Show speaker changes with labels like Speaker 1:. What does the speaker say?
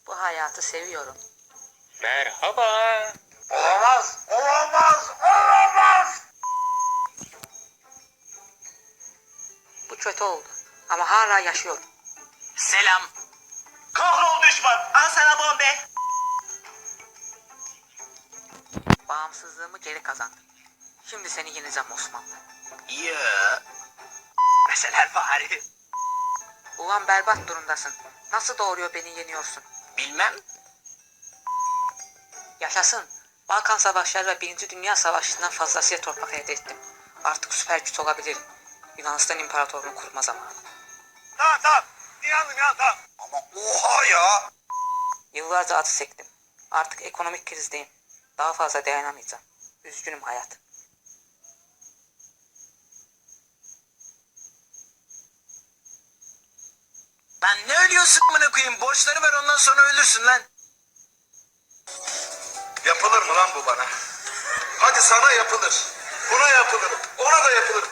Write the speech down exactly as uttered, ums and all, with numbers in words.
Speaker 1: Bu hayatı seviyorum.
Speaker 2: Merhaba.
Speaker 3: Olamaz, olamaz, olamaz.
Speaker 1: Bu kötü oldu. Ama hala yaşıyorum.
Speaker 2: Selam.
Speaker 3: Kahrol düşman.
Speaker 2: Al sana bombe.
Speaker 1: Bağımsızlığımı geri kazandım. Şimdi seni yeneceğim Osman.
Speaker 2: Ya. Mesela bari.
Speaker 1: Ulan berbat durumdasın. Nasıl doğuruyor beni yeniyorsun?
Speaker 2: Bilmem.
Speaker 1: Yaşasın. Balkan Savaşları ve Birinci Dünya Savaşı'ndan fazlasıyla toprak elde ettim. Artık süper güç olabilirim. Yunanistan İmparatorluğunu kurma zamanı.
Speaker 3: Tamam tamam. İnandım ya tamam. Ama oha ya.
Speaker 1: Yıllarca acı çektim. Artık ekonomik krizdeyim. Daha fazla dayanamayacağım. Üzgünüm hayat.
Speaker 2: Lan ne ölüyorsun amına koyayım? Borçları ver ondan sonra ölürsün lan.
Speaker 3: Yapılır mı lan bu bana? Hadi sana yapılır. Buna yapılır. Ona da yapılır.